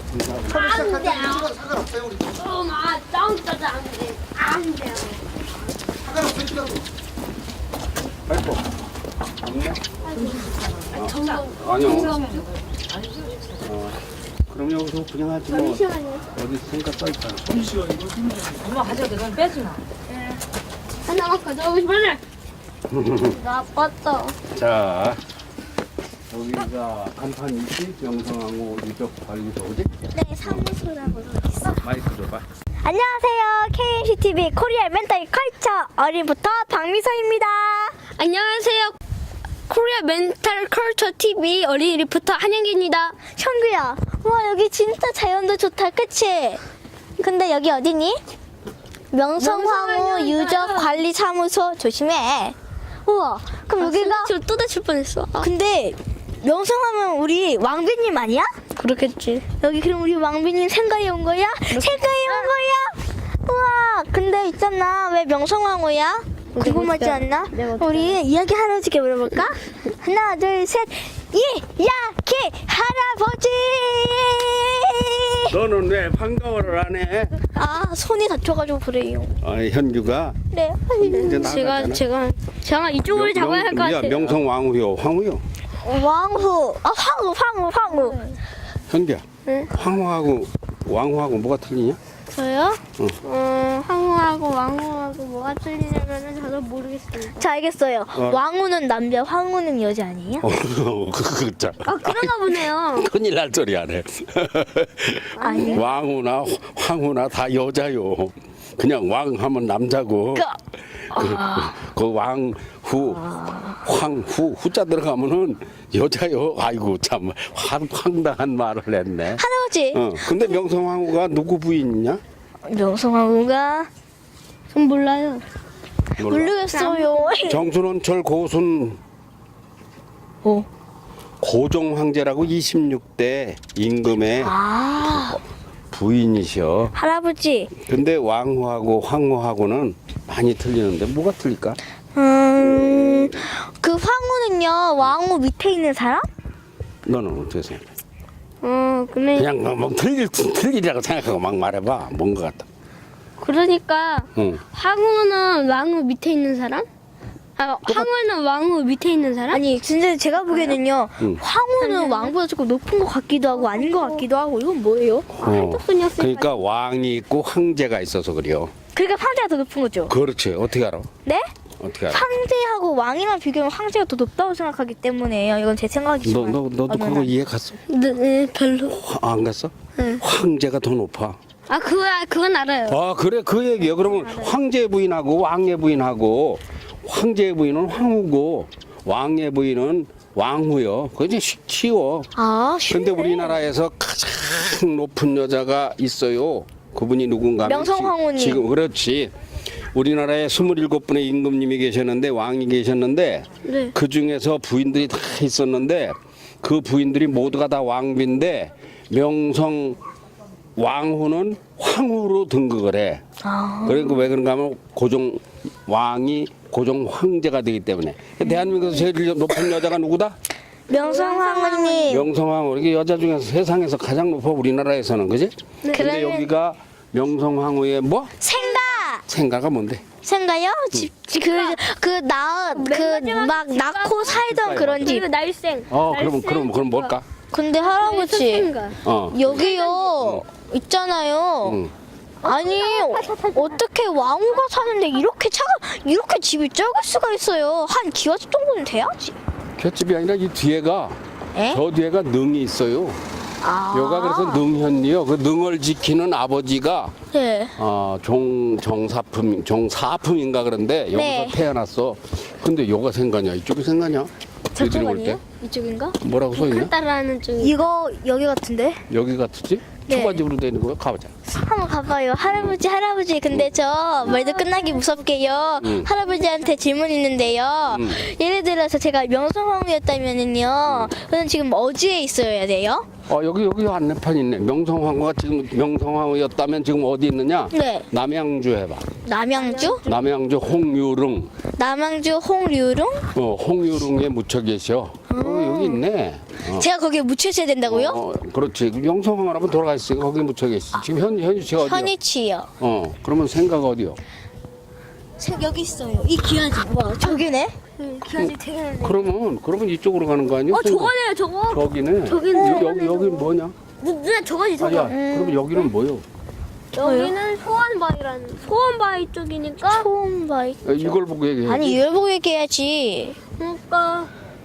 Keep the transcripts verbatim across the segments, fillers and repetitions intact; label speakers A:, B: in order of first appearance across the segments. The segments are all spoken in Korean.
A: 안 돼요. 상관없어요 우리. 엄마 짱짜도 안 돼. 안 돼요.
B: 상관없어요 찍어도. 발톱. 없네? 아니요. 어, 그럼 여기서 그냥 하지 뭐. 어디 있으니까 써있잖아.
C: 엄마 가져도 넌 빼지 마.
A: 하나만 가져오고 싶어요. 나빴다.
B: 자, 여기가 간판 있지? 명성황후 유적관리소, 그지?
D: 네, 사무소라고 있어.
B: 마이크 줘봐.
D: 안녕하세요. 케이엠씨티비 코리아 멘탈 컬처 어린부터 박미서입니다.
A: 안녕하세요. 코리아 멘탈 컬처 티비 어린이 리포터 한영기입니다.
D: 형규야, 와 여기 진짜 자연도 좋다, 그치? 근데 여기 어디니? 명성황후 유적관리사무소. 조심해. 우와, 그럼 여기가
A: 지금 또 다칠 뻔했어. 아,
D: 근데 명성하면 우리 왕비님 아니야?
A: 그렇겠지.
D: 여기 그럼 우리 왕비님 생가에 온 거야? 생가에 온 거야? 우와, 근데 있잖아, 왜 명성황후야? 궁금하지 않나? 우리 이야기 할아버지께 물어볼까? 하나, 둘, 셋. 이야기 할아버지!
B: 너는 왜 반가워를 안 해?
D: 아, 손이 다쳐가지고 그래요.
B: 아, 현규가
D: 네.
B: 이제
A: 제가
B: 나가잖아.
A: 제가 제가 이쪽으로 잡아야 할 것
B: 야,
A: 같아요.
B: 명성황후요, 황후요.
D: 왕후. 아, 황후, 황후, 황후.
B: 현규야,
A: 네.
B: 황후하고 왕후하고 뭐가 틀리냐?
A: 저요?
B: 응.
A: 어, 황후하고 왕후하고 뭐가 틀리냐면은 저도 모르겠어요.
D: 자, 알겠어요.
B: 어.
D: 왕후는 남자, 황후는 여자 아니에요?
B: 어, 그, 그, 참.
A: 아, 그런가 보네요.
B: 큰일 날 소리 안 해.
D: 아니요.
B: 왕후나 황후나 다 여자요. 그냥 왕 하면 남자고.
D: 그,
B: 그, 그 왕후, 황후, 후자 들어가면은 여자요. 아이고, 참, 황, 황당한 말을 했네.
D: 할아버지.
B: 어, 근데 명성황후가 누구 부인이냐?
D: 명성황후가
A: 전 몰라요.
B: 몰라.
D: 모르겠어요.
B: 정순원철 고순
D: 어.
B: 고종 황제라고 이십육 대 임금의
D: 아,
B: 부인이셔.
D: 할아버지.
B: 근데 왕후하고 황후하고는 많이 틀리는데 뭐가 틀릴까?
D: 음, 그 황후는요, 왕후 밑에 있는 사람?
B: 너는 어떻게 생각해?
A: 어, 근데
B: 그냥 뭐, 뭐 틀릴 틀리라고 생각하고 막 말해봐. 뭔 것 같다.
A: 그러니까
B: 응.
A: 황후는 왕후 밑에 있는 사람? 아, 황후는 왕후 밑에 있는 사람?
D: 아니, 진짜 제가 보기에는요,
B: 응.
D: 황후는 왕보다 조금 높은 것 같기도 하고 아닌 것 같기도 하고, 이건 뭐예요?
B: 어. 그러니까 왕이 있고 황제가 있어서 그래요.
D: 그러니까 황제가 더 높은 거죠?
B: 그렇지. 어떻게 알아?
D: 네?
B: 어떻게 알아?
D: 황제하고 왕이랑 비교하면 황제가 더 높다고 생각하기 때문에요. 이건 제
B: 너
D: 생각이지만.
B: 너 너도
D: 어느
B: 그거
D: 날.
B: 이해 갔어?
A: 네, 네, 별로.
B: 화- 안 갔어? 황제가 더 높아.
A: 아, 그거 그건 알아요.
B: 아 그래 그 얘기야. 그러면 황제 부인하고 왕의 부인하고 황제 부인은 황후고 왕의 부인은 왕후요. 그게 이제 쉬- 쉬워.
D: 아, 쉽네.
B: 근데 우리나라에서 가장 높은 여자가 있어요. 그분이 누군가? 하면
D: 명성황후님.
B: 지- 지금 그렇지. 우리나라에 스물일곱 분의 임금님이 계셨는데 왕이 계셨는데
A: 네.
B: 그 중에서 부인들이 다 있었는데 그 부인들이 모두가 다 왕비인데 명성 왕후는 황후로 등극을 해.
D: 아.
B: 그러니까 왜 그런가 하면 고종 왕이 고종 황제가 되기 때문에. 대한민국에서 제일 높은 여자가 누구다?
D: 명성황후님.
B: 명성황후. 이게 여자 중에서 세상에서 가장 높아 우리나라에서는 그지? 근데
D: 그러면-
B: 여기가 명성황후의 뭐?
D: 생가.
B: 생가가 뭔데?
D: 생가요? 집, 그, 그, 나, 그, 막, 낳고 살던 그런 집.
A: 그리고 날생.
B: 어 그럼 그럼 그럼 뭘까?
D: 근데 할아버지,
A: 생가.
B: 어.
D: 여기요, 있잖아요.
B: 응.
D: 아니, 어떻게 왕후가 사는데 이렇게 차가, 이렇게 집이 적을 수가 있어요. 한 기와집 정도는 돼야지.
B: 볏집이 아니라 이 뒤에가
D: 에?
B: 저 뒤에가 능이 있어요.
D: 아.
B: 여가 그래서 능현이요. 그 능을 지키는 아버지가
D: 네.
B: 어, 종 정사품 정사품인가 그런데 여기서
D: 네.
B: 태어났어. 근데 여가 생가냐? 이쪽이 생가냐? 애들이 올 때
D: 이쪽인가?
B: 뭐라고 써 있냐?
A: 따라하는 중.
D: 이거, 여기 같은데?
B: 여기 같지?
D: 네.
B: 초가집으로 되는 거야. 가보자.
D: 한번 가봐요. 할아버지, 할아버지. 근데 저 말도 끝나기 무섭게요.
B: 응.
D: 할아버지한테 질문 있는데요.
B: 응.
D: 예를 들어서 제가 명성황후였다면은요. 저는 지금 어디에 있어야 돼요?
B: 어 여기 여기 안내판 있네. 명성황후가 지금 명성황후였다면 지금 어디 있느냐?
D: 네.
B: 남양주 해봐.
D: 남양주?
B: 남양주 홍유릉.
D: 남양주 홍류릉?
B: 어 홍유릉에 묻혀 계셔. 어, 여기 있네. 어.
D: 제가 거기에 묻혀져야 된다고요?
B: 어, 그렇지. 명성황후 한번 돌아가 있으니까 거기 묻혀 계시. 지금 현 현주씨가 어디요?
D: 현이치요.
B: 어 그러면 생각 어디요?
D: 여기 있어요. 이 기아지. 와, 저기네. 기아지 되게.
B: 그러면 그러면 이쪽으로 가는 거 아니야?
A: 어 저거네요 저거.
B: 저기네.
A: 저기는
B: 여, 여기 여기 뭐냐?
A: 누나 저거지 저거.
B: 아야. 그러면 여기는 뭐요?
A: 여기는 소원바위라는 소원바위 쪽이니까.
D: 처음 봐.
B: 어, 이걸 보고 얘기해.
D: 아니, 이걸 보고 얘기해야지.
A: 그러니까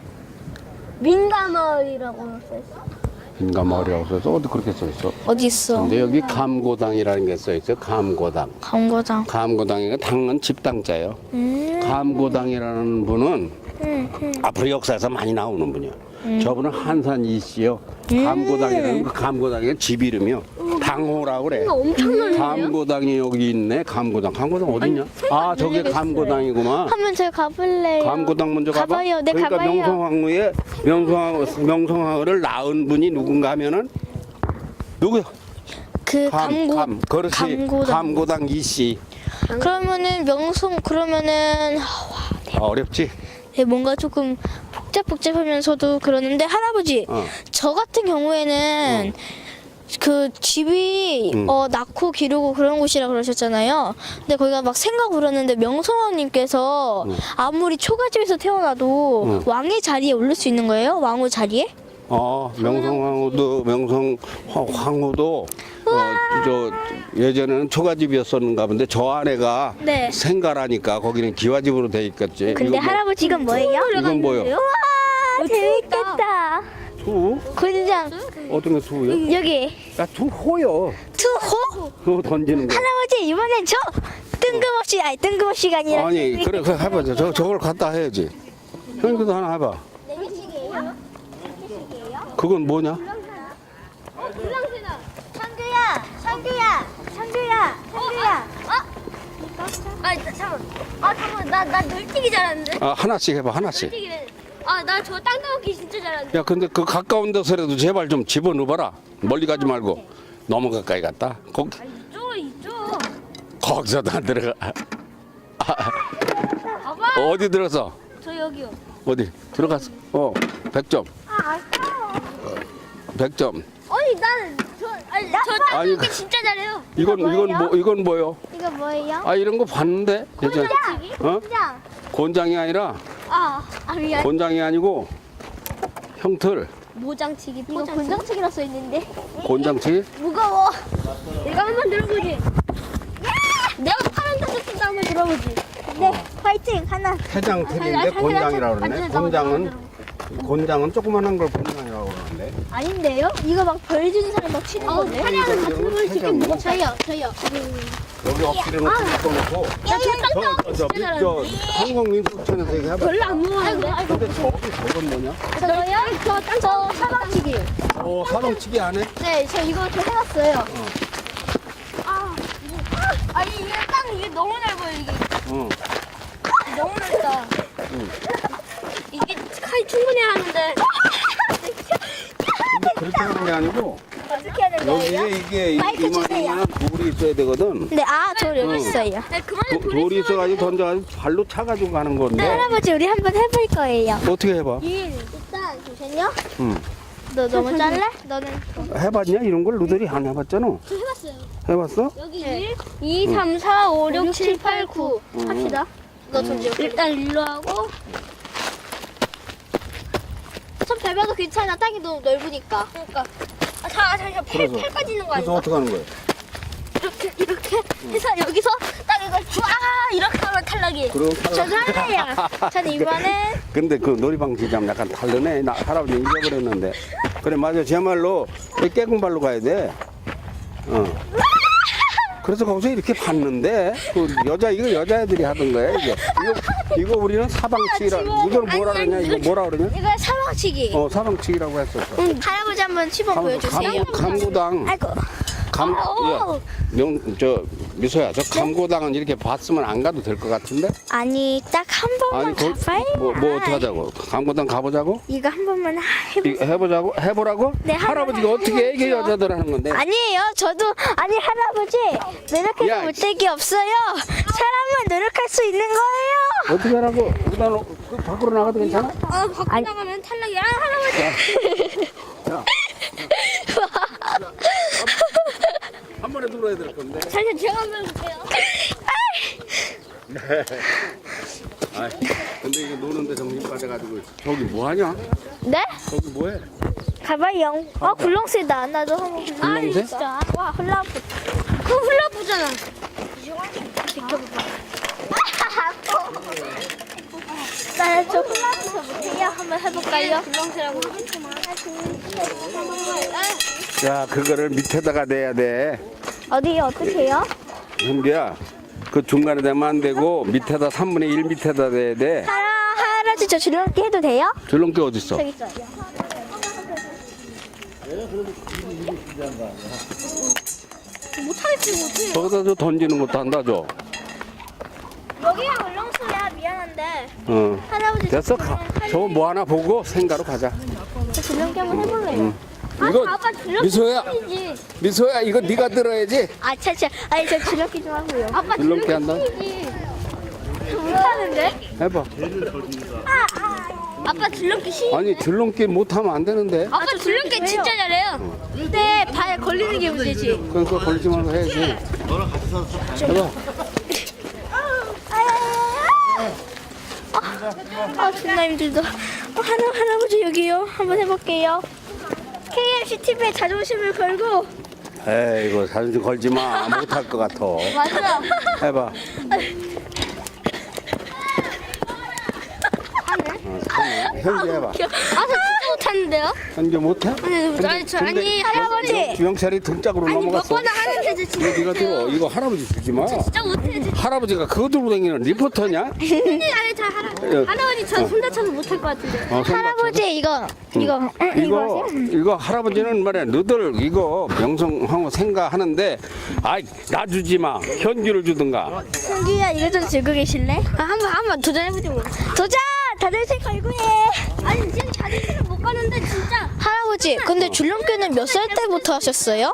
A: 민가마을이라고 써있어.
B: 인가마을이라고 써서 어디 그렇게 써 있어?
D: 어디 있어?
B: 근데 여기 감고당이라는 게 써 있어요. 감고당.
D: 광고장.
B: 감고당이가 당은 집당자예요.
D: 음.
B: 감고당이라는 분은
D: 음, 음.
B: 앞으로 역사에서 많이 나오는 분이요. 저분은 한산 이씨요. 감고당이라는 그 감고당의 집 이름이요. 당호라고 그래.
A: 엄청 넓네요.
B: 감고당이 여기 있네. 감고당. 감고당 어딨냐? 아 저게 감고당이구만.
D: 한번 저기 가볼래요?
B: 감고당 먼저 가봐.
D: 가봐요. 네,
B: 그러니까
D: 가봐요.
B: 명성황후의 명성황후, 명성황후를 낳은 분이 누군가 하면은 누구야?
D: 그
B: 감,
D: 감고.
B: 감. 그렇지.
D: 감고당.
B: 감고당 이씨.
D: 그러면은 명성 그러면은
B: 아, 어렵지?
D: 네, 뭔가 조금 복잡복잡하면서도 그러는데 할아버지
B: 어.
D: 저 같은 경우에는 그 집이
B: 응.
D: 어, 낳고 기르고 그런 곳이라 그러셨잖아요. 근데 거기가 막 생각 울었는데 명성황님께서
B: 응.
D: 아무리 초가집에서 태어나도
B: 응.
D: 왕의 자리에 오를 수 있는 거예요? 왕후 자리에?
B: 어, 명성황후도 명성황후도 어, 저 예전에는 초가집이었었는가 본데 저 아내가
D: 네.
B: 생가라니까 거기는 기와집으로 돼 있겠지.
D: 근데
B: 이건 뭐-
D: 할아버지 이건 뭐예요?
B: 이건 뭐요?
D: 와 재밌겠다.
B: 투?
D: 군장
B: 어떤 게 투요?
D: 여기
B: 야, 투호요.
D: 투호?
B: 그거 던지는 거.
D: 할아버지 이번엔 저 뜬금없이 아니 뜬금없이가 아니라
B: 아니, 그래, 그래 해봐. 저 저걸 갖다 해야지. 형님도 하나 해봐. 그건 뭐냐?
D: 상규야, 상규야, 상규야, 상규야.
A: 아 잠깐. 아 잠깐 나나 널뛰기 잘하는데.
B: 아, 하나씩 해봐, 하나씩.
A: 널뛰기는. 아나 저 땅 따먹기 진짜 잘하는데.
B: 야, 근데 그 가까운 데서라도 제발 좀 집어넣어봐라. 멀리 가지 말고. 너무 가까이 갔다. 거기,
A: 이쪽 이쪽.
B: 거기서도 안 들어가.
A: 봐봐.
B: 어디 들어서?
A: 저 여기요.
B: 어디? 들어갔어. 어, 백 점.
A: 아 아까워.
B: 백 점.
A: 아니 나는 저 아니 저땅
B: 아니,
A: 따먹기
B: 그-
A: 진짜 잘해요.
B: 이건, 이건 뭐, 이건 뭐요?
D: 이거 뭐예요?
B: 아, 이런 거 봤는데? 예전에. 어?
D: 군장.
B: 곤장이 아니라,
A: 아, 아 미안.
B: 곤장이 아니고, 형틀.
A: 모장치기.
D: 이거 군장치기라 써 있는데.
B: 곤장치?
A: 무거워. 내가 한번 들어보지. 내가 파란 닭도 한번 들어보지.
D: 네, 화이팅 하나.
B: 해장틀인데 곤장이라고 그러네. 곤장은, 곤장은 조그만한 걸 곤장이라고 그러는데.
D: 아닌데요? 이거 막 벌 주는 사람 막 치는 건데.
A: 파란은 같은 걸 지금 뭐
D: 저요, 저요.
B: 여기 엎드려놓고 바꿔놓고.
A: 야, 저 땅
B: 저,
A: 따먹기
B: 저,
A: 진짜
B: 저,
A: 잘하는데.
B: 한국민속촌에서 얘기해봐.
A: 별로 안 무거운데.
B: 근데 저기 저건 뭐냐?
D: 저요? 저, 저 사방치기.
B: 어, 사방치기 안 해?
D: 네, 저 이거 저 해봤어요.
A: 아, 아니 이게 땅 이게 너무 넓어요 이게.
B: 어.
A: 너무 넓다. 이게 칼 충분히 하는데.
B: 근데 그렇게 하는 게 아니고,
D: 어떻게 해야 되는 거예요?
B: 여기에 이게 이-
D: 마이크 주세요.
B: 이만한 돌이 있어야 되거든.
D: 네, 아, 저 여기
B: 응.
D: 있어요.
A: 네, 그만해
B: 도,
A: 돌이
B: 돌이 있어가지고 던져가지고 발로 차가지고 가는 건데.
D: 할아버지, 우리 한번 해볼 거예요.
B: 어떻게 해봐?
D: 일단, 잠시만요.
B: 응.
D: 너 너무 잘래? 너는.
B: 해봤냐? 이런 걸 너들이 안 해봤잖아.
A: 저 해봤어요.
B: 해봤어?
A: 여기 일, 이, 삼, 사, 오, 육, 칠, 팔, 구 합시다.
D: 너 던져.
A: 일단 일로 하고.
D: 좀 밟아도 괜찮아. 땅이 너무 넓으니까.
A: 그러니까. 아, 자, 자, 자, 팔,
B: 그래서-
A: 팔까지 있는 거
B: 그래서
A: 아니야?
B: 어떻게 하는 거야?
A: 이렇게 이렇게 해서 여기서 딱 이걸 쫙 이렇게 하면 탈락이.
B: 그럼
D: 저도 할래요. 저는 이번엔.
B: 근데 그 놀이방식이랑 약간 다르네. 나 할아버지 잊어버렸는데. 그래 맞아. 제말로 깨군발로 가야 돼. 어. 그래서 거기서 이렇게 봤는데 그 여자 이거 여자애들이 하던 거야 이게. 이거 이거 우리는 사방치기라. 이걸 뭐라 그러냐? 이거 뭐라 그러냐?
D: 이거 사방치기.
B: 어 사방치기라고 했었어.
D: 응, 할아버지 한번 치번 보여주세요.
B: 감, 감고당.
D: 아이고.
B: 감, 야, 명, 저 미소야, 저 감고당은 이렇게 봤으면 안 가도 될 것 같은데?
D: 아니 딱 한 번만
B: 아니, 거,
D: 가봐요.
B: 뭐, 뭐 어떻게 하자고? 감고당 가보자고?
D: 이거 한 번만 해보.
B: 이거 해보자고? 해보라고?
D: 네, 한번
B: 할아버지가 어떻게 애기
D: 해볼게요.
B: 여자들 하는 건데?
D: 아니에요. 저도 아니 할아버지 노력해도
B: 야,
D: 못되기 없어요. 사람은 노력할 수 있는 거예요.
B: 어떻게 하라고? 일단 그 밖으로 나가도 괜찮아?
A: 어, 밖에 나가면 탈락이야. 할아버지.
B: 야, 한 번에 들어야 될 건데.
A: 잠시만 제가 한번 해볼게요.
B: 아, 근데 이거 노는데 정신 빠져가지고 저기 뭐 하냐?
D: 네?
B: 저기 뭐해?
D: 가봐요. 아 굴렁쇠다. 나도 한번.
B: 굴렁쇠?
D: 진짜. 와 훌라프.
A: 그거 훌라후프잖아.
D: 나저 훌라프 못해요. 한번 해볼까요?
A: 굴렁쇠라고.
B: 자, 그거를 밑에다가 내야 돼.
D: 어디 어떻게 해요?
B: 현비야, 그 중간에 대면 안 되고 밑에다 삼분의 일 밑에다 내야 돼.
D: 하라 할아버지 저 줄넘기 해도 돼요?
B: 줄넘기 어디 있어?
D: 저기 있어요.
A: 못하겠지 못해.
B: 저기다 저 던지는 것도 한다 줘.
D: 여기가 울렁소야. 미안한데
B: 어.
D: 할아버지
B: 됐어. 가. 저거 뭐 하나 보고 생가로 가자.
D: 저 줄넘기 한번 해볼래요.
B: 이거
A: 아빠 줄넘기
B: 미소야,
A: 뿐이지.
B: 미소야 이거 네가 들어야지.
D: 아 차차 아니 저 줄넘기 좀 하고요.
A: 아빠
B: 줄넘기 한다.
A: 뿐이지.
D: 못하는데?
B: 해봐.
A: 아빠 줄넘기 시.
B: 아니 줄넘기 못하면 안 되는데.
A: 아빠 줄넘기
D: 왜요?
A: 진짜 잘해요.
D: 근데 발 걸리는 게 문제지.
B: 그러니까 걸리지 말고 해야지. 해봐.
D: 아 존나 힘들다. 어, 할아, 할아버지 여기요. 한번 해볼게요. 케이엠씨 티비에 자존심을 걸고.
B: 에이 이거 자존심 걸지 마. 못할 것 같아.
A: 맞아.
B: 해봐. 어, 손을. 현기 해봐.
A: 아, 저 진짜 못하는데요?
B: 현기 못해?
A: 아니, 아니, 저, 아니,
D: 할아버지.
B: 주영철이 등짝으로
A: 아니, 몇
B: 넘어갔어.
A: 번 하는데 저 진짜
B: 이거 네가 들어.
A: 못해요.
B: 이거 할아버지 주지 마.
A: 진짜 못해. 저
B: 할아버지가 그거 들고 다니는 리포터냐?
A: 진짜 아니, 저 할아, 할아버지 저 손 다쳐서 못할 것 같은데.
B: 어, 손
D: 할아버지 이거 이거 응, 이거
B: 이거
D: 하세요?
B: 이거 할아버지는 말이야 너들 이거 명성하고 생각하는데 아이 나 주지 마 현규를 주든가.
D: 성규야 이거 좀 들고 계실래?
A: 아, 한번, 한번 도전해보지 뭐.
D: 도전! 자존심 걸고 해.
A: 아니, 지금 자존심을 못 가는데, 진짜.
D: 할아버지 근데 줄넘기는 몇 살 때부터 하셨어요?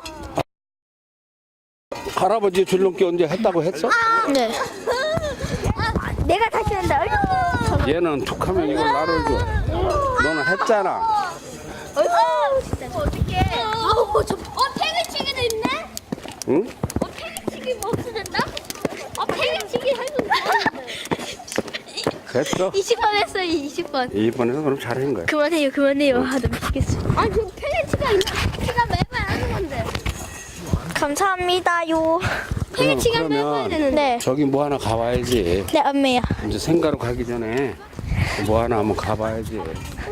B: 할아버지 줄넘기 언제 했다고 했어?
D: 네. 내가 다시 한다.
B: 얘는 툭하면 이걸 나를 줘. 너는 했잖아.
D: 어이구 진짜 어떡해.
A: 아우, 저, 어, 팽이치기도 있네?
B: 응?
A: 어, 팽이치기 뭐 없어졌다? 어, 팽이치기 해도
B: 됐어.
A: 이십 번 했어요, 이십 번.
B: 이번에는 그럼 잘한 거야.
D: 그만해요 그만해요. 아 나 미치겠어.
A: 아니, 저 팽이치기가 있나? 제가 매번 하는 건데.
D: 감사합니다요.
A: 팽이치기가
B: 그러면
A: 매번 해야 되는데.
D: 네.
B: 저기 뭐 하나 가봐야지.
D: 네 엄매야.
B: 이제 생가로 가기 전에 뭐 하나 한번 가봐야지.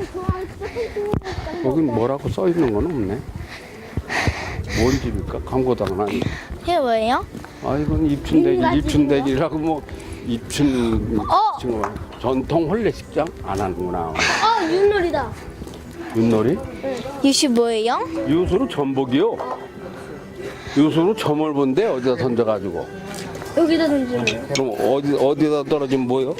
B: 여긴 뭐라고 써 있는 건 없네. 뭔 집일까? 광고당은 아니.
D: 이게 뭐예요?
B: 아 이건 입춘대길, 입춘대길이라고 뭐 입춘
D: 어!
B: 지금 전통 혼례식장 안 하는구나.
A: 아, 윷놀이다.
B: 윷놀이?
D: 유시 뭐예요?
B: 유수로 전복이요. 유수로 점을 본데 어디다 던져가지고.
A: 여기다 던지는
B: 그럼 어디 어디다 떨어지면 뭐요?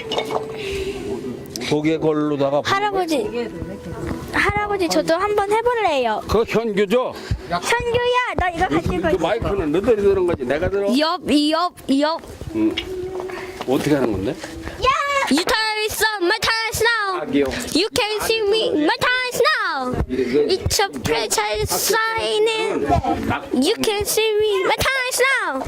B: 독에 걸로다가.
D: 할아버지. 할아버지 저도 한번 해볼래요.
B: 그 현규죠.
D: 현규야 너 이거 같이
B: 그
D: 걸지.
B: 마이크는 너들이 들은 거지. 내가 들어.
A: 옆, 옆, 옆.
B: 응. 어떻게 하는 건데?
A: You time is up, my time is now.
B: 아기요.
A: You can see me, my time is now. It's a franchise signing. You can see me, my time is now.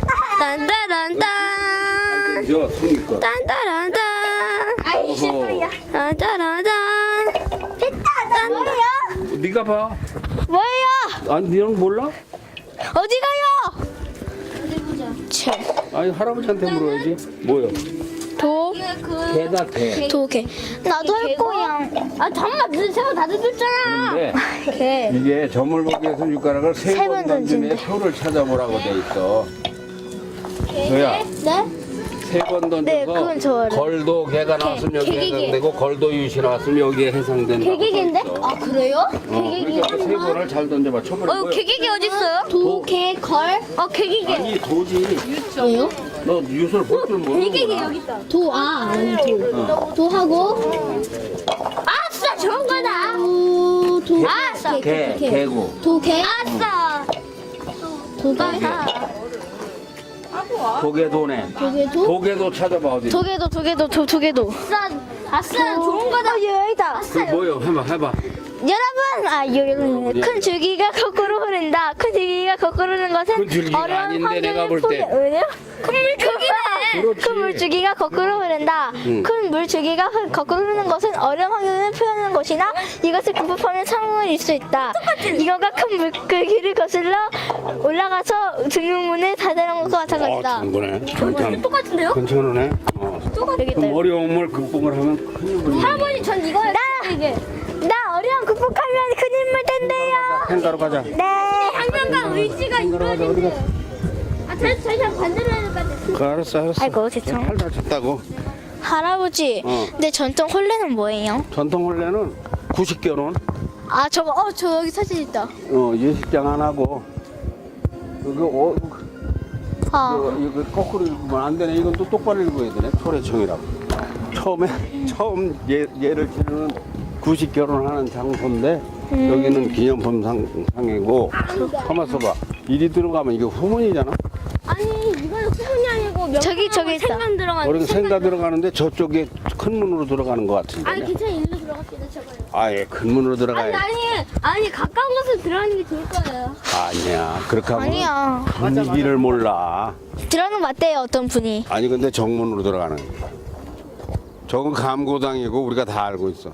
A: 딴따란딴.
B: 저 손이 거.
A: 딴따란딴.
B: 어허.
A: 딴따란딴.
D: 됐다. 뭐예요?
B: 네가 봐.
D: 뭐예요?
B: 아니 너는 몰라?
D: 어디 가요? 참.
B: 아니 할아버지한테 물어야지. 뭐요?
D: 도.
B: 개다 개.
D: 도개. 나도 할 거야.
A: 아, 잠깐만, 너 제가 다 줬잖아.
B: 근데
D: 개.
B: 이게 점을 보기 위해서 육가락을
D: 세
B: 세번
D: 번
B: 던지는
D: 던진대.
B: 표를 찾아보라고 돼 있어. 너야
D: 네?
B: 세 번 던져서
D: 네, 그건 좋아요.
B: 걸도 개가 나왔으면 여기
A: 개개개.
B: 해당되고 걸도 유시 나왔으면 여기에 해당된다.
A: 개개개인데? 아 그래요?
B: 어, 그러니까 세 번을 잘 던져봐. 처음에
A: 어 개개개 어디 있어요?
B: 도,
A: 개, 걸? 어 개개개.
B: 아니 도지.
A: 왜요?
B: 너 유술 볼 줄 모르는구나.
A: 있다. 도, 아, 아니, 도. 도하고. 아싸, 좋은 거다. 도, 도. 아싸.
B: 개, 개고.
A: 도, 개. 아싸. 도가.
B: 도개도네.
A: 도개도?
B: 도개도 찾아봐 어디.
D: 도개도 도개도 도, 도개도.
A: 아싸, 아싸, 좋은 거다.
D: 어, 여기다.
B: 그 뭐요? 해봐 해봐.
D: 여러분, 아 여기 큰 줄기가 거꾸로 흐른다. 큰 줄기가 거꾸로 흐르는 것은
B: 큰 줄기가
D: 어려운
B: 아닌데, 내가
D: 환경을
B: 볼 때.
D: 포기- 왜요? 큰 물줄기네.
B: 그렇지.
D: 큰 물줄기가 거꾸로 흐른다.
B: 응.
D: 큰 물줄기가 흐- 거꾸로 흐르는 것은 어려운 환경을 표현하는 것이나 이것을 극복하면 성공을 이룰 수 있다. 이거가 큰 물줄기를 거슬러 올라가서 등용문을 닫아놓은 것과
B: 어,
D: 마찬가지다.
B: 좋은 거네. 괜찮.
A: 똑같은데요?
B: 괜찮으네. 어.
D: 여기
B: 그럼
D: 있다.
B: 어려움을 극복을 하면 큰 힘을.
A: 할아버지, 전 이거요. 이게.
D: 나 어려움 극복하면 큰 힘을 댄대요.
B: 행가로 가자.
D: 네.
A: 한명과 의지가 이루어진대요. 아, 다시, 다시 한 반대로 해야 될 것 같아.
B: 그 알았어 알았어.
D: 아이고, 죄송.
B: 팔 다쳤다고.
D: 할아버지,
B: 어.
D: 근데 전통 혼례는 뭐예요?
B: 전통 혼례는 구식 결혼.
D: 아 저거 어 저 여기 사진 있다.
B: 어 예식장 안 하고. 이거 어
D: 아
B: 이거, 이거 거꾸로 읽으면 안 되네. 이건 또 똑바로 읽어야 되네. 초래청이라고. 처음에 처음 예, 예를 치르는 구식 결혼하는 장소인데 여기는 기념품 상, 상이고. 가만 있어봐. 이리 들어가면 이게 후문이잖아.
A: 아니, 이거는 후문이 아니고 명
D: 저기, 저기 있다.
A: 생강 들어가는
B: 우리는 생가 들어가는데 저쪽에 큰 문으로 들어가는 것 같은데.
A: 아니, 괜찮아. 일로 들어갑시다, 저거요.
B: 아예 큰 문으로
A: 아니,
B: 들어가야 돼.
A: 아니, 아니, 가까운 곳으로 들어가는 게 좋을 거예요.
B: 아니야. 그렇게 하면
D: 아니야.
B: 분위기를 몰라.
D: 들어는 맞대요 어떤 분이.
B: 아니 근데 정문으로 들어가는 거야. 저건 감고당이고 우리가 다 알고 있어.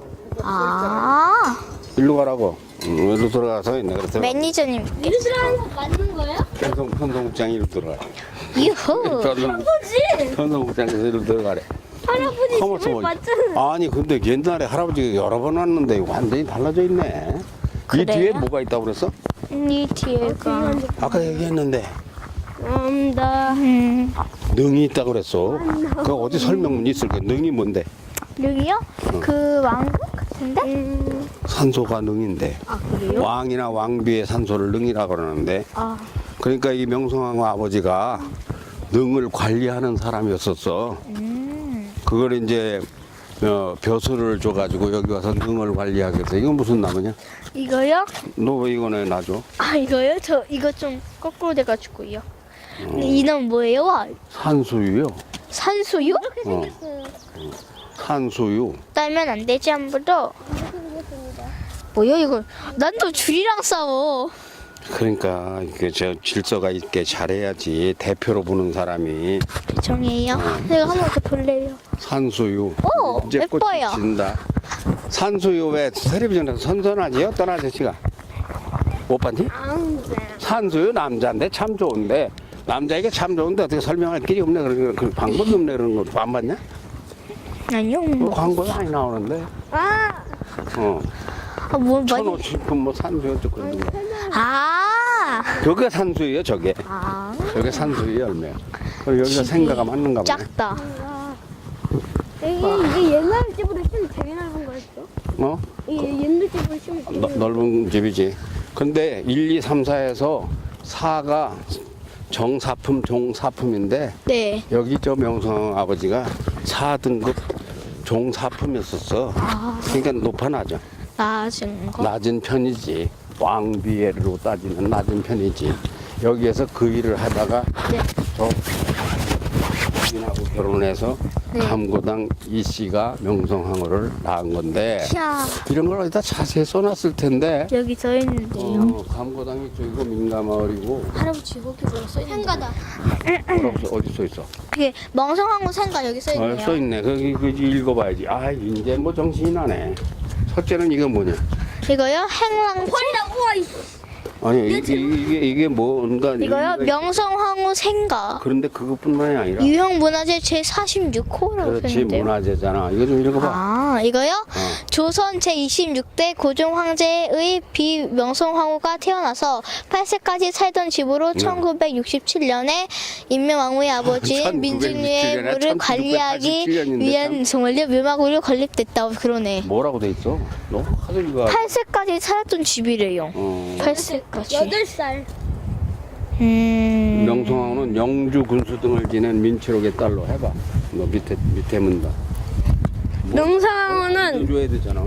D: 아
B: 일로 가라고. 응, 일로 들어가서 있네. 그래서
D: 매니저님.
A: 일로 들어가는 거 맞는 거예요?
B: 편성 편성국장 일로 들어가.
D: 유후.
B: 편성
A: 할아버지!
B: 편성국장에서 일로 들어가래.
A: 할아버지
B: 가만있어
A: 집을
B: 봐.
A: 맞잖아.
B: 아니 근데 옛날에 할아버지가 여러 번 왔는데 완전히 달라져 있네. 이
D: 그래요?
B: 뒤에 뭐가 있다고 그랬어?
D: 이 뒤에가.
B: 아까 얘기했는데
A: 감다.
D: 음
B: 능이 있다고 그랬어. 그 어디 설명문 있을 거야. 능이 뭔데?
D: 여기요? 그 왕국 같은데?
B: 산소가 능인데.
A: 아, 그래요?
B: 왕이나 왕비의 산소를 능이라고 그러는데.
D: 아
B: 그러니까 이 명성황후 아버지가 능을 관리하는 사람이었었어.
D: 음.
B: 그걸 이제 어, 벼슬을 줘가지고 여기 와서 능을 관리하게 돼서 이건 무슨 나무냐?
D: 이거요?
B: 너 왜 이거네 놔줘?
D: 아 이거요? 저 이거 좀 거꾸로 돼가지고요. 근데 이 나무 뭐예요? 와,
B: 산수유요.
D: 산수유?
B: 어. 산수유.
D: 따면 안 되지 아무도. 뭐야 이거? 난 또 줄이랑 싸워.
B: 그러니까 이게 저 질서가 있게 잘해야지 대표로 보는 사람이.
D: 정이에요? 내가 한 번 더 볼래요.
B: 산수유.
D: 오,
B: 이제 꽃이
D: 예뻐요.
B: 진다. 산수유 왜 텔레비전에서 선선하지? 어떤 아저씨가 못 봤니? 산수유 남자인데 참 좋은데 남자에게 참 좋은데 어떻게 설명할 길이 없네 그런 그 방법이 없네 그런 거 안 봤냐?
D: 아니요.
B: 뭐 광고에 많이 나오는데.
A: 아,
B: 어.
D: 아, 뭐 많이.
B: 천오십분 뭐 산수유 어쩌고
D: 아.
B: 저게 산수유요 저게.
D: 아.
B: 저게 산수유 열매야. 그리고 여기가 생가가 맞는가 보네.
D: 작다.
A: 이게, 이게 옛날 집으로 치면 되게 넓은 거였어?
B: 어?
A: 이게 옛날 집으로 치면 되게
B: 너- 넓은 집이지. 근데 일, 이, 삼, 사에서 사가 정사품, 종사품인데
D: 네.
B: 여기 저 명성 아버지가 사 등급 종사품이었었어. 그러니까 높아나죠.
D: 낮은 거.
B: 낮은 편이지. 왕비애로 따지면 낮은 편이지. 여기에서 그 일을 하다가
D: 네.
B: 저 부인하고 결혼해서
D: 네.
B: 감고당 이 씨가 명성황후를 낳은 건데
D: 야
B: 이런 걸 어디다 자세히 써놨을 텐데
D: 여기 써 있는데요.
B: 어, 감고당이 저기고 민가마을이고
D: 할아버지 거기 뭐라 써 있는데?
A: 생가다.
B: 뭐라고 써, 어디 써 있어?
D: 그게 멍성황후 생가 여기 써
B: 어,
D: 있네요.
B: 써 있네. 거기 그 읽어봐야지. 아 이제 뭐 정신이 나네. 첫째는 이거 뭐냐?
D: 이거요? 행랑
A: 헐이다, 우와, 이
B: 아니 이게 이게 이게 뭔가
D: 이거요?
B: 의미가 있-
D: 명성황후 생가.
B: 그런데 그것뿐만이 아니라
D: 유형문화재 제사십육 호라고
B: 그렇지
D: 표현돼요.
B: 문화재잖아. 이거 좀 읽어봐.
D: 아, 이거요? 조선 제이십육 대 고종 황제의 비명성황후가 태어나서 팔 세까지 살던 집으로 천구백육십칠 년에 임명왕후의 아버지인
B: 천구백육십칠
D: 민중유의
B: 년에
D: 물을 관리하기
B: 천구백팔십칠 년인데
D: 위한 정말요 묘막으로 건립됐다고 그러네.
B: 뭐라고 돼 있어? 너 하도 이거.
D: 팔 세까지 살았던 집이래요.
B: 어.
D: 팔 세까지.
A: 여덟 살.
D: 음.
B: 명성황후는 영주 군수 등을 지낸 민치록의 딸로 해봐. 너 밑에 밑에 문다.
A: 명성황후는
B: 줘야 되잖아.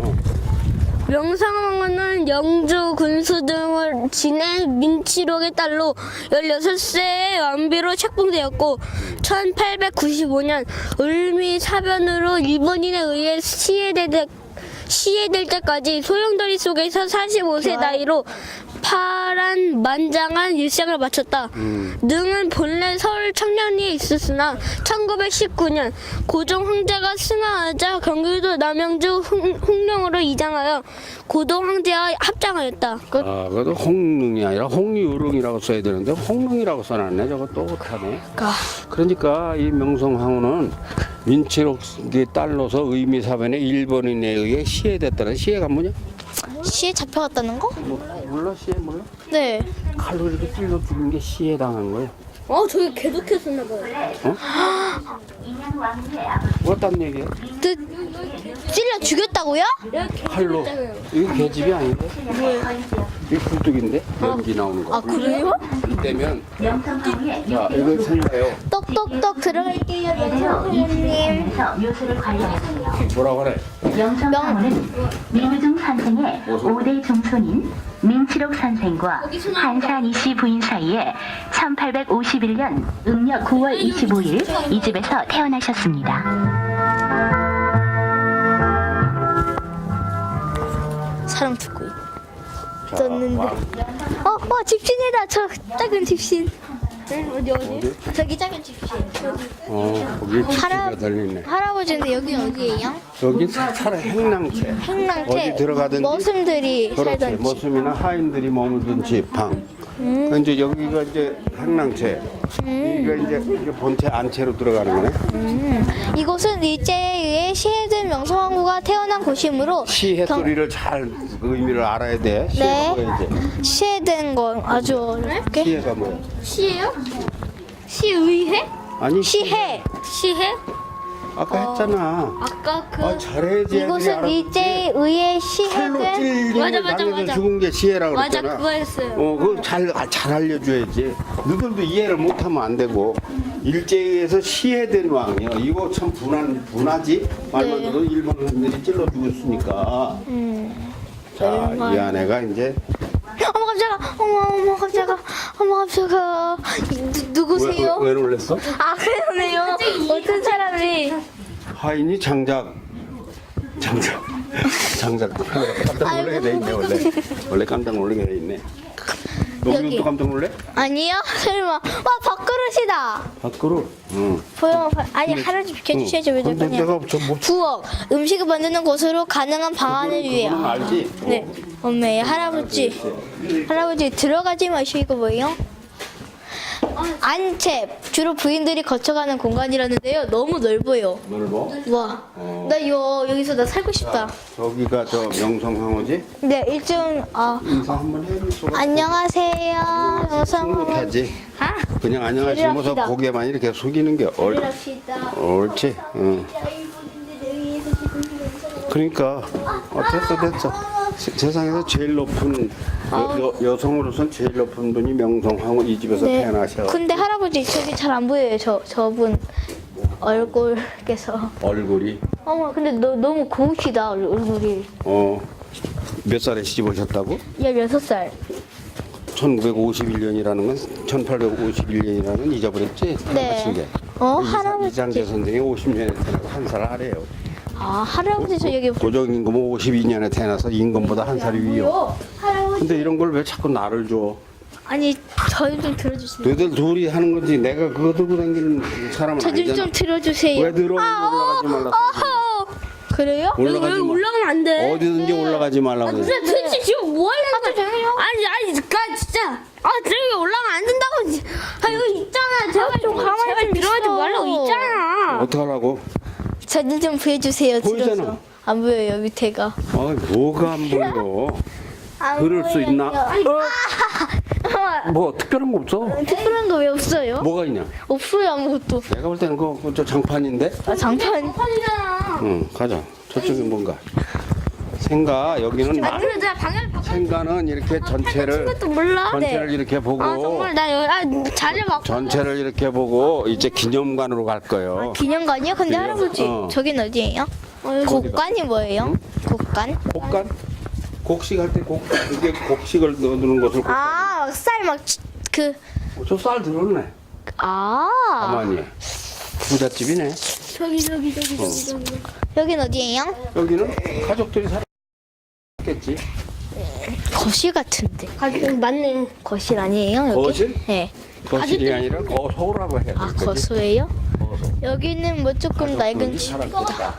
A: 명성황후는 영주 군수 등을 지낸 민치록의 딸로 열여섯 세의 완비로 책봉되었고 천팔백구십오 년 을미 사변으로 일본인에 의해 시해될, 시해될 때까지 소용돌이 속에서 사십오 세 나이로 파란만장한 일생을 마쳤다.
B: 음.
A: 능은 본래 서울 청량리에 있었으나 천구백십구 년 고종 황제가 승하하자 경기도 남양주 홍, 홍령으로 이장하여 고종 황제와 합장하였다. 끝.
B: 아, 그래도 홍릉이 아니라 홍유릉이라고 써야 되는데 홍릉이라고 써놨네. 저거 똑하네. 그러니까 이 명성황후는 민치록의 딸로서 의미사변에 일본인에 의해 시해됐다는. 시해가 뭐냐?
D: 시에 잡혀갔다는 거?
B: 뭐, 몰라 시해 몰라?
D: 네.
B: 칼로 이렇게 찔러 죽인 게 시해 당한 거야.
A: 어, 저기 계속했었나 봐요.
B: 어떤 얘기야?
D: 그 찔러 죽였다고요?
B: 칼로. 이거 계집이 아닌데? 이거 굴뚝인데? 연기 나오는 거.
D: 아 그래요?
B: 이때면 자 이거 생각해요.
D: 떡떡떡 들어갈게요, 연수님.
E: 묘수를 관리하였으며
B: 뭐라고 그래?
E: 명성황후는 민우중 선생의 오 대 종손인 민치록 선생과 한산 이씨 부인 사이에 천팔백오십일 년 음력 구월 이십오일 이 집에서 태어나셨습니다.
D: 사람 듣고
B: 자,
D: 있었는데.
B: 와.
D: 어, 어, 집신이다. 저 작은 집신.
A: 어디, 어디?
D: 저기 작은 집신.
B: 어 거기
D: 할아-
B: 집시가 달려있네.
D: 할아버지인데 여기 어디예요?
B: 여기 차라 행랑채.
D: 행랑채.
B: 어디 들어가든지
D: 머슴들이
B: 그렇지.
D: 살던 집.
B: 머슴이나 하인들이 머물던 집 방.
D: 음.
B: 이제 여기가 이제 행랑채. 여기가 이제 이게 본체 안채로 들어가는 거네.
D: 음. 이곳은 일제에 의해 시해된 명성황후가 태어난 곳이므로
B: 시해
D: 경-
B: 소리를 잘 의미를 알아야 돼. 시해가
D: 네.
B: 뭐야 이제?
D: 시해된 건 아주 어렵게.
B: 시해가 뭐야?
A: 시예요? 시의회?
B: 아니
D: 시해.
A: 시해?
B: 아까 했잖아.
A: 아까 그
B: 아 잘해야지. 애들이
D: 이곳은
B: 알아듣지.
D: 일제에 의해
B: 칼로
D: 시해된
B: 찔리는
A: 맞아, 맞아,
B: 당해서
A: 맞아.
B: 죽은 게 시해라고
A: 맞아,
B: 그랬잖아.
A: 그거 했어요.
B: 어, 그걸 잘, 아, 잘 알려줘야지. 너희들도 이해를 못하면 안 되고. 일제에 의해서 시해된 왕이요. 이거 참 분한, 분하지? 말만
D: 네.
B: 들어도 일본인들이 찔러 죽었으니까.
D: 음.
B: 자, 이 아내가 이제.
D: 어머 깜짝아. 어머 어머 깜짝아. 어머 깜짝아. 누, 누구세요?
B: 왜, 왜, 왜 놀랬어?
D: 아 그러네요. 어떤 사람이
B: 하인이 장작. 장작. 장작도 깜짝 놀라게 돼 있네, 원래. 원래 깜짝 놀라게 돼 있네.
D: 여기.
B: 여기도 깜짝 놀래?
D: 아니요? 설마. 와 밥그릇이다.
B: 밖으로. 응.
D: 보여. 아니 할아버지 비켜주셔야죠. 왜
B: 근데
D: 저거냐.
B: 내가 저 뭐.
D: 부엌. 음식을 만드는 곳으로 가능한 방안을 위해.
B: 그거는 알지?
D: 네. 엄매 할아버지. 할아버지 들어가지 마시고 뭐예요? 안채 주로 부인들이 거쳐가는 공간이라는데요. 너무 넓어요.
B: 넓어?
D: 와, 나 요 여기서 나 살고 싶다.
B: 저기가 저 명성황후지?
D: 네, 일종 아
B: 인사 한번 해줄 수가
D: 안녕하세요, 영상.
B: 못하지.
D: 아,
B: 그냥 안녕하시면서
D: 내려갑시다.
B: 고개만 이렇게 숙이는 게 옳,
D: 이랍시다.
B: 옳지. 응. 그러니까 어, 됐어 됐어. 세, 세상에서 제일 높은 여, 여, 여성으로선 제일 높은 분이 명성황후 이 집에서
D: 네.
B: 태어나셔.
D: 근데 할아버지 저기 잘 안 보여요. 저 저분 얼굴께서.
B: 얼굴이
D: 어머, 근데 너 너무 고우시다 얼- 얼굴이.
B: 어 몇 살에 시집 오셨다고?
D: 열여섯 살.
B: 천구백오십일 년이라는 건 천팔백오십일 년이라는 건 잊어버렸지?
D: 네.
B: 맞춘 게.
D: 어,
B: 이장-
D: 할아버지.
B: 이장재 선생이 오십 년에 태어나서 한 살 아래요.
D: 아, 할아버지 저 여기.
B: 고종임금은 오십이 년에 태어나서 임금보다 한 살이 위요.
D: 할아버지.
B: 근데 이런 걸 왜 자꾸 나를 줘?
D: 아니, 저희 좀 들어주세요.
B: 너희들 둘이 하는 거지. 내가 그거 들고 다니는 사람은
D: 저 좀
B: 아니잖아.
D: 좀 들어주세요.
B: 왜 들어?
D: 아,
B: 올라가지 말라.
D: 어허. 그래요?
B: 올라가지 마.
A: 올라가면 안 돼.
B: 어디든지 올라가지 말라고. 그래.
A: 근데 솔직히 아니 지금 뭐 하려는 거야? 아니 아니 그 진짜 아 저기 올라가면 안 된다고. 아 여기 있잖아. 제발 좀 가만히 제발
D: 좀
A: 들어가지
D: 있어.
A: 말라고 있잖아.
B: 어떡하라고?
D: 저는 좀 보여주세요.
B: 보이잖아.
D: 들어서. 안 보여요 밑에가.
B: 아, 뭐가 안 보여?
D: 안
B: 그럴 수
D: 보여요.
B: 있나?
D: 어,
B: 뭐 특별한 거 없어?
D: 특별한 거 왜 없어요?
B: 뭐가 있냐?
D: 없어요 아무것도.
B: 내가 볼 때는 그거 그저 장판인데?
D: 아 장판.
A: 판이잖아.
B: 응, 가자. 저쪽에 뭔가. 생가 여기는
A: 아 그래 내가 방향을 바꿔.
B: 생가는 이렇게 전체를
A: 것도 몰라.
B: 전체를 이렇게 보고
A: 아 정말 나 여기 아 자리 바꿔.
B: 전체를 이렇게 보고 이제 기념관으로 갈 거예요.
D: 기념관이요? 근데
B: 기념-
D: 할아버지
B: 어.
D: 저긴 어디예요? 곡관이 뭐예요? 곡관?
B: 곡간? 곡식 할 때 곡, 이게 곡식을 넣어두는 것을
D: 아, 쌀 막 그
B: 저 쌀 들었네.
D: 아.
B: 가만히. 부잣집이네.
A: 저기 저기 저기 저기 저기.
D: 여긴 어디예요?
B: 여기는 가족들이 살았겠지.
D: 거실 같은데.
A: 가족 맞네.
D: 거실 아니에요? 여기?
B: 거실?
D: 네.
B: 거실이 아니라 거소라고 해야 돼.
D: 아, 거소예요? 여기는 뭐 조금 낡은 집.
B: 장판이.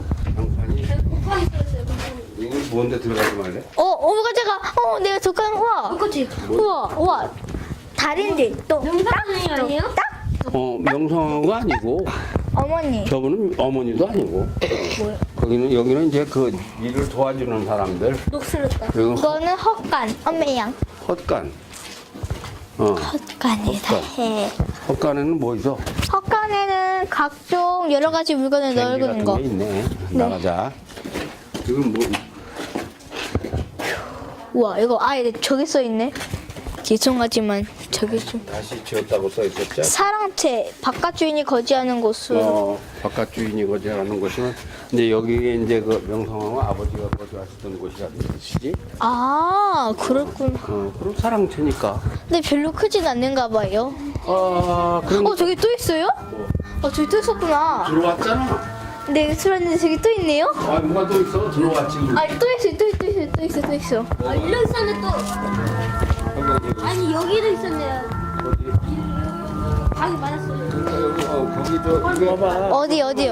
B: 이거 뭔데 들어가지 말래?
D: 어, 어, 제가 어, 내가 잠깐 우와.
A: 그렇지.
D: 우와, 우와. 다른데 또
A: 명사선생님 아니에요?
B: 어, 명성황후가 아니고
D: 어머니.
B: 저분은 어머니도 아니고. 거기는 여기는 이제 그 일을 도와주는 사람들.
A: 녹슬었다.
B: 그리고
D: 이거는 헛간. 엄매양.
B: 헛간. 어.
D: 헛간이다.
B: 헛간.
D: 해.
B: 헛간에는 뭐 있어?
D: 헛간에는 각종 여러 가지 물건을
B: 뱅기
D: 넣는
B: 같은
D: 거.
B: 게 있네. 나가자. 이건 뭐?
D: 우와, 이거 아예 저기 써 있네. 죄송하지만 저기 좀
B: 다시 지었다고 써 있었죠?
D: 사랑채 바깥 주인이 거주하는 곳으로.
B: 어, 바깥 주인이 거주하는 곳이면 이제 여기에 이제 그 명성황후 아버지가 거주하시던 곳이라는 뜻이지.
D: 아, 그렇군.
B: 어, 그럼 사랑채니까.
D: 근데 별로 크진 않는가 봐요.
B: 아, 그럼
D: 어, 저기 또 있어요? 어, 저기 또 있었구나.
B: 들어왔잖아.
D: 네, 들었는데 저기 또 있네요?
B: 아, 뭐가 또 있어? 들어왔지.
D: 아, 또 있어, 또 있어, 또 있어, 또 있어, 또 있어.
A: 아 일로 있었네 또.
B: 여기, 여기,
A: 아니 여기도 있었네요.
B: 어디?
A: 방이 많았어요.
B: 그러니까 여기, 어, 거기 저 이거 봐봐.
D: 어디, 어디요?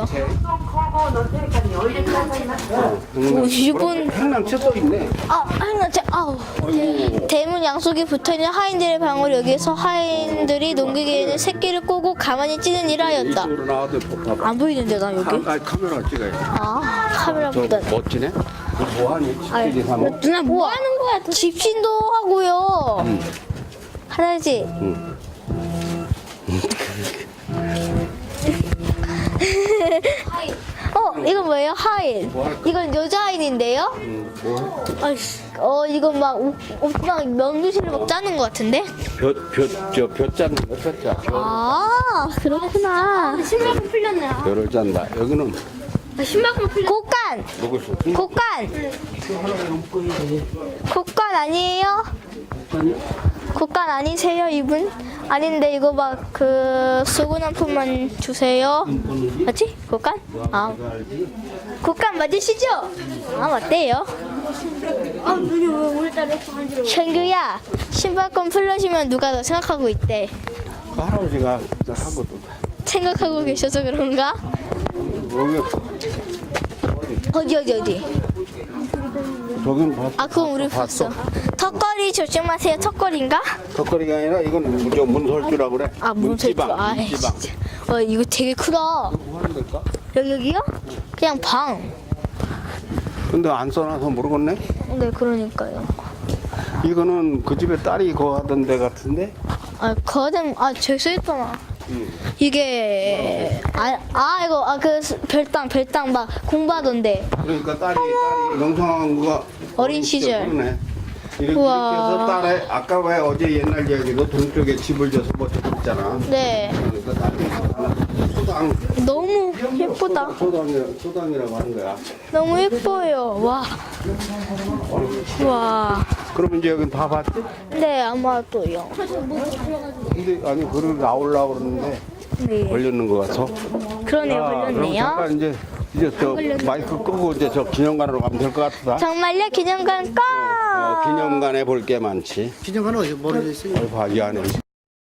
B: 오,
D: 이분-
B: 행랑채 또 있네.
D: 아, 하나, 제, 아우.
B: 아이고.
D: 대문 양쪽에 붙어있는 하인들의 방울 여기에서 하인들이 농기계에는 새끼를 꼬고 가만히 찌는 일을 하였다.
B: 이쪽으로 나와도 봐봐.
D: 안 보이는데, 나 여기?
B: 아, 카메라 찍어야 돼.
D: 아,
B: 저
D: 카메라보다.
B: 멋지네. 너 뭐하니? 집들이 사모.
A: 누나 뭐 하는 거야? 도-
D: 집신도 하고요.
B: 응.
D: 할아버지.
B: 응.
D: 어, 이건 뭐예요? 하인.
B: 뭐 할까?
D: 이건 여자 하인인데요?
B: 응. 뭐?
D: 아이씨, 어, 이건 막, 옷, 옷, 막 명주실을 막 짜는 것 같은데?
B: 볕, 볕, 저, 볕 짜는 거, 볕 짜. 볕.
D: 아, 그렇구나.
A: 신발끈 풀렸네. 아
B: 벼를 짠다. 여기는
A: 신발끈 풀렸.
D: 곡간!
B: 누구 수?
D: 곡간! 곡간 아니에요? 곡간 아니세요, 이분? 아닌데, 이거 막, 그, 수건 한 푼만 주세요. 맞지? 곡간? 아, 곡간 맞으시죠? 아, 맞대요.
A: 아 눈이 왜 오늘따라 이렇게 간지러워?
D: 현규야, 신발끈 풀러시면 누가 더 생각하고 있대.
B: 그 할아버지가 하고 또.
D: 생각하고 계셔서 그런가?
B: 여기,
D: 어디, 어디, 어디?
B: 저긴 봤어.
D: 아, 그건 우리 봤어. 턱걸이 조심하세요. 턱걸이인가?
B: 턱걸이가 아니라 이건 저 문설주라고 그래.
D: 아, 문설주. 아,
B: 문지방.
D: 진짜. 어, 이거 되게 크다.
B: 뭐 하는 걸까?
D: 여기, 여기요? 그냥 방.
B: 근데 안 써놔서 모르겠네.
D: 네, 그러니까요.
B: 이거는 그 집에 딸이 거 하던 데 같은데?
D: 아, 거든, 아, 저기 써있잖아.
B: 응.
D: 이게, 아, 아, 이거, 아, 그, 별당, 별당 막 공부하던데.
B: 그러니까 딸이, 딸이 명성황후가
D: 어린 시절.
B: 그러네. 이렇게, 이렇게
D: 우와.
B: 해서 딸에, 아까 왜 어제 옛날 이야기로 동쪽에 집을 져서 뭐 있잖아.
D: 네.
B: 그러니까 딸이 하나 소당.
D: 너무 예쁘다.
B: 소당이라, 소당이라고 하는 거야.
D: 너무 예뻐요. 와. 와.
B: 그러면 이제 여긴 다 봤지?
D: 네, 아마도요.
B: 근데 아니 그걸 나오려고 그러는데
D: 네.
B: 걸렸는 것 같아.
D: 그러네요,
B: 야, 그럼
D: 걸렸네요.
B: 잠깐 이제 이제 저 마이크 끄고 이제 저 기념관으로 가면 될 것 같다.
D: 정말요? 기념관 꺼!
B: 어, 기념관에 볼 게 많지.
F: 기념관은 어디 멀어져 있어요?
B: 어, 봐, 이 안에.